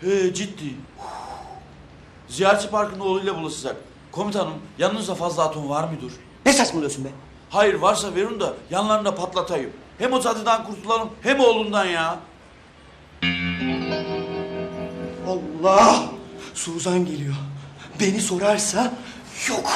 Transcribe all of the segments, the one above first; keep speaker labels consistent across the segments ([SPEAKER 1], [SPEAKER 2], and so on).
[SPEAKER 1] He ciddi. Ziyaretçi Parkı'nın oğluyla buluşacak. Komutanım yanınızda fazla atom var mıdır?
[SPEAKER 2] Ne saçmalıyorsun be?
[SPEAKER 1] Hayır varsa verin de yanlarında patlatayım. Hem o cadıdan kurtulalım hem oğlundan ya.
[SPEAKER 2] Allah! Suzan geliyor. Beni sorarsa yok.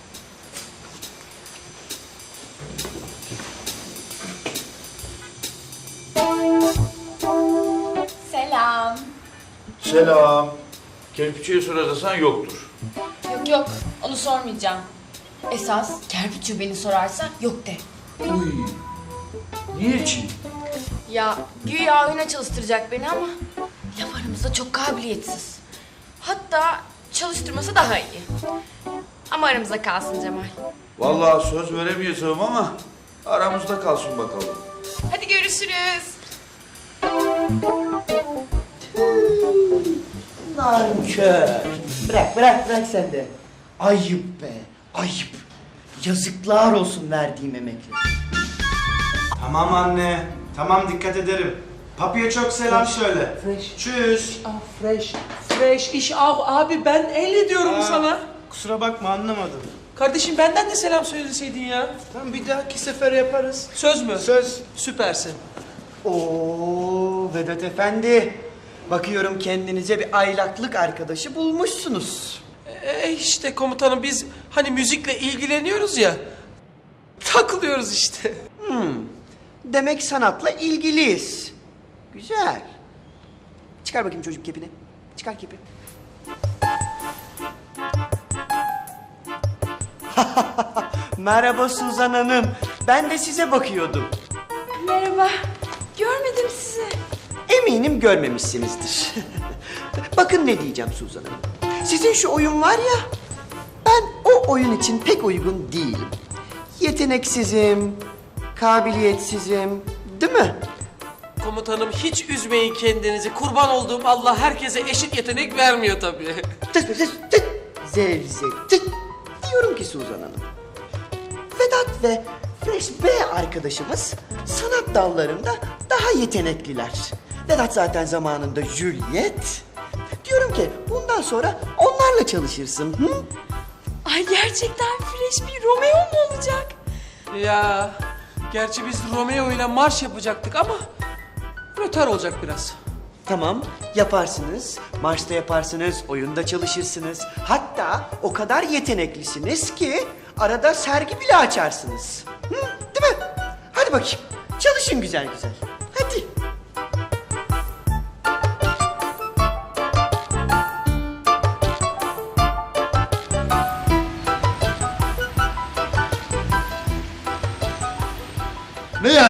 [SPEAKER 3] Selam.
[SPEAKER 1] Selam. Kerpiçiye sorarsan yoktur.
[SPEAKER 3] Yok onu sormayacağım. Esas Kerpiçu beni sorarsa yok de.
[SPEAKER 1] Uy. Niçin?
[SPEAKER 3] Ya güya oyuna çalıştıracak beni ama laf aramızda çok kabiliyetsiz. Hatta çalıştırması daha iyi. Ama aramızda kalsın Cemal.
[SPEAKER 1] Vallahi söz veremeyeceğim ama aramızda kalsın bakalım.
[SPEAKER 3] Hadi görüşürüz.
[SPEAKER 2] Nankör. Bırak sen de. Ayıp be, ayıp. Yazıklar olsun verdiğim emekle.
[SPEAKER 4] Tamam anne. Tamam dikkat ederim. Papiye çok selam söyle.
[SPEAKER 5] Fresh.
[SPEAKER 4] Tschüss.
[SPEAKER 5] Fresh. Fresh iş abi ben el ediyorum
[SPEAKER 4] Aa,
[SPEAKER 5] sana.
[SPEAKER 4] Kusura bakma anlamadım.
[SPEAKER 5] Kardeşim benden de selam söyleseydin ya.
[SPEAKER 4] Tamam bir dahaki sefer yaparız.
[SPEAKER 5] Söz mü?
[SPEAKER 4] Söz.
[SPEAKER 5] Süpersin.
[SPEAKER 2] Oo Vedat Efendi. Bakıyorum kendinize bir aylaklık arkadaşı bulmuşsunuz.
[SPEAKER 5] İşte komutanım biz hani müzikle ilgileniyoruz ya. Takılıyoruz işte.
[SPEAKER 2] Demek sanatla ilgiliyiz. Güzel. Çıkar bakayım çocuk kepini. Çıkar kepi. Merhaba Suzan Hanım. Ben de size bakıyordum.
[SPEAKER 3] Merhaba. Görmedim sizi.
[SPEAKER 2] Eminim görmemişsinizdir. Bakın ne diyeceğim Suzan Hanım. Sizin şu oyun var ya, ben o oyun için pek uygun değilim. Yeteneksizim, kabiliyetsizim, değil mi?
[SPEAKER 5] Komutanım hiç üzmeyin kendinizi. Kurban olduğum Allah herkese eşit yetenek vermiyor tabii.
[SPEAKER 2] Tıt. Zevzek tıt. Diyorum ki Suzan Hanım. Vedat ve Fresh B arkadaşımız sanat dallarında daha yetenekliler. Vedat zaten zamanında Juliet. Diyorum ki bundan sonra onlarla çalışırsın. Hı?
[SPEAKER 3] Ay gerçekten fresh bir Romeo mu olacak?
[SPEAKER 5] Ya gerçi biz Romeo ile marş yapacaktık ama rötar olacak biraz.
[SPEAKER 2] Tamam, yaparsınız. Marşta yaparsınız, oyunda çalışırsınız. Hatta o kadar yeteneklisiniz ki arada sergi bile açarsınız. Hı, değil mi? Hadi bakayım, çalışın güzel güzel. Hadi.
[SPEAKER 6] Ne yani?